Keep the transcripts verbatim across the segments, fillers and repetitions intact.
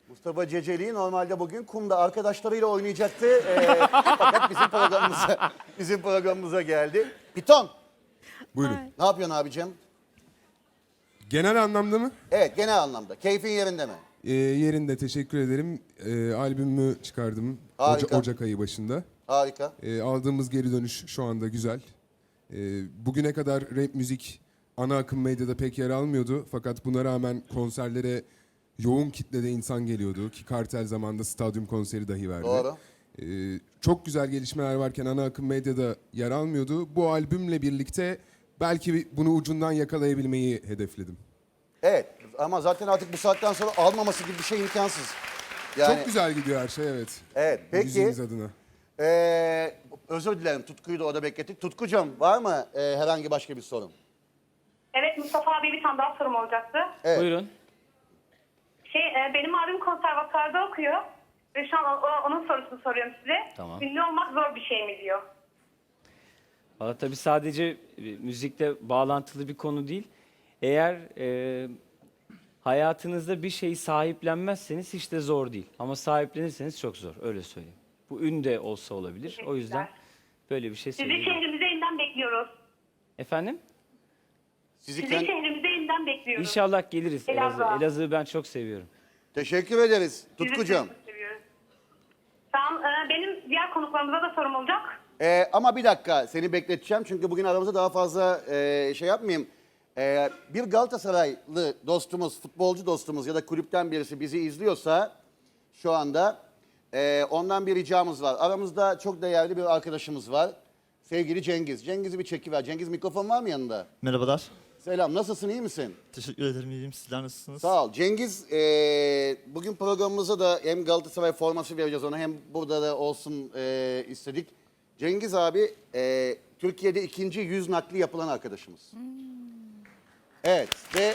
Mustafa Ceceli normalde bugün kumda arkadaşlarıyla oynayacaktı. Ee, fakat bizim programımıza, bizim programımıza geldi. Piton, Buyurun. ne yapıyorsun abicim? Genel anlamda mı? Evet, genel anlamda. Keyfin yerinde mi? Ee, yerinde, teşekkür ederim. Ee, albümümü çıkardım Harika. Oca- Ocak ayı başında. Harika. Ee, aldığımız geri dönüş şu anda güzel. Ee, bugüne kadar rap müzik ana akım medyada pek yer almıyordu. Fakat buna rağmen konserlere yoğun kitlede insan geliyordu. Ki Kartel zamanında stadyum konseri dahi verdi. Doğru. Ee, çok güzel gelişmeler varken ana akım medyada yer almıyordu. Bu albümle birlikte belki bunu ucundan yakalayabilmeyi hedefledim. Evet ama zaten artık bu saatten sonra almaması gibi bir şey imkansız. Yani, Çok güzel gidiyor her şey, evet. Evet, peki. Müziğimiz adına. Ee, özür dilerim, Tutku'yu da orada beklettik. Tutkucuğum, var mı e, herhangi başka bir sorun? Evet, Mustafa abi bir tane daha sorum olacaktı. Evet. Buyurun. Şey, e, benim abim konservatuarda okuyor. Ve şu an o- o- onun sorusunu soruyorum size. Tamam. Ünlü olmak zor bir şey mi diyor. Valla tabii sadece e, müzikle bağlantılı bir konu değil. Eğer e, hayatınızda bir şeyi sahiplenmezseniz hiç de zor değil. Ama sahiplenirseniz çok zor, öyle söyleyeyim. Bu ün de olsa olabilir. O yüzden böyle bir şey Sizi söyleyeyim. şehrimize yeniden bekliyoruz. Efendim? Sizi Sizi kend- şehrimize yeniden bekliyoruz. İnşallah geliriz Elazığ. Elazığ. Elazığ'ı ben çok seviyorum. Teşekkür ederiz Sizi Tutkucuğum. çok seviyoruz. Tamam, e, benim diğer konuklarımıza da sorum olacak. Ee, ama bir dakika seni bekleteceğim çünkü bugün aramızda daha fazla e, şey yapmayayım. Ee, bir Galatasaraylı dostumuz, futbolcu dostumuz ya da kulüpten birisi bizi izliyorsa şu anda e, ondan bir ricamız var. Aramızda çok değerli bir arkadaşımız var. Sevgili Cengiz. Cengiz'i bir çekiver. Cengiz, mikrofon var mı yanında? Merhabalar. Selam, nasılsın, iyi misin? Teşekkür ederim. İyiyim. Sizler nasılsınız? Sağ ol. Cengiz, e, bugün programımıza da hem Galatasaray forması vereceğiz ona hem burada da olsun e, istedik. Cengiz abi e, Türkiye'de ikinci yüz nakli yapılan arkadaşımız. Evet ve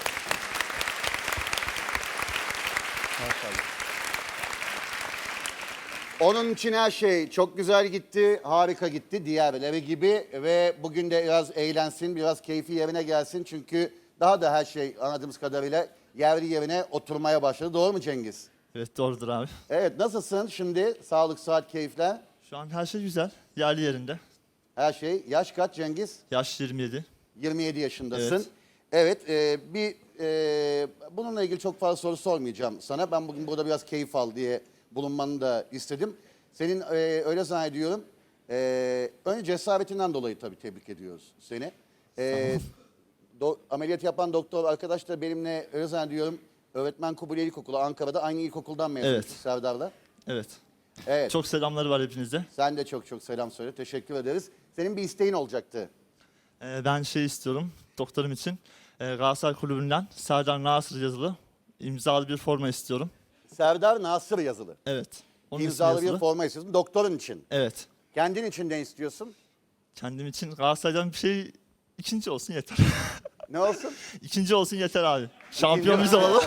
onun için her şey çok güzel gitti, harika gitti diğerleri gibi ve bugün de biraz eğlensin, biraz keyfi yerine gelsin çünkü daha da her şey anladığımız kadarıyla yerli yerine oturmaya başladı. Doğru mu Cengiz? Evet, doğrudur abi. Evet, nasılsın şimdi? Sağlık, saat, keyifler. Şu an her şey güzel. Yerli yerinde. Her şey. Yaş kaç Cengiz? Yaş yirmi yedi. yirmi yedi yaşındasın. Evet. Evet, e, bir e, bununla ilgili çok fazla soru sormayacağım sana. Ben bugün burada biraz keyif al diye bulunmanı da istedim. Senin e, öyle zannediyorum. E, önce cesaretinden dolayı tabii tebrik ediyoruz seni. E, do, ameliyat yapan doktor arkadaş da benimle öyle zannediyorum. Öğretmen Kubilay İlkokulu Ankara'da aynı ilkokuldan mezun Evet. Serdar'la. Evet. Evet. Çok selamları var hepinize. Sen de çok çok selam söyle. Teşekkür ederiz. Senin bir isteğin olacaktı. Ee, ben şey istiyorum doktorum için. Ee, Galatasaray Kulübü'nden Serdar Nasır yazılı imzalı bir forma istiyorum. Serdar Nasır yazılı. Evet. Onun ismi İmzalı bir yazılı. forma istiyorsun. Doktorun için. Evet. Kendin için ne istiyorsun? Kendim için Galatasaray'dan bir şey ikinci olsun yeter. Ne olsun? İkinci olsun yeter abi. Şampiyon biz olalım.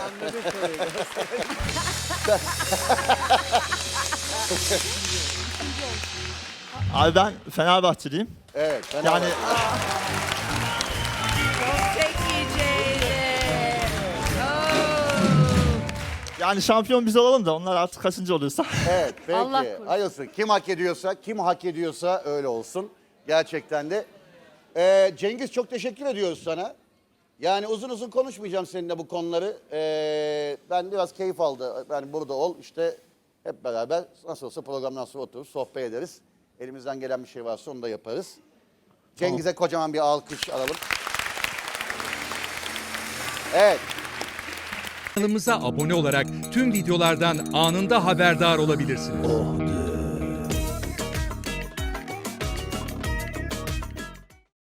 Abi ben Fenerbahçeliyim. Evet. Ben Yani yani şampiyon biz olalım da onlar artık kaçıncı oluyorsa. Evet peki. Allah korusun. Hayırlısı. Kim hak ediyorsa, kim hak ediyorsa öyle olsun. Gerçekten de. Ee, Cengiz çok teşekkür ediyoruz sana. Yani uzun uzun konuşmayacağım seninle bu konuları. Ee, ben biraz keyif aldı. Yani burada ol işte hep beraber nasıl olsa programdan sonra oturur sohbet ederiz. Elimizden gelen bir şey varsa onu da yaparız. Cengiz'e kocaman bir alkış alalım. Evet. Kanalımıza abone olarak tüm videolardan anında haberdar olabilirsiniz.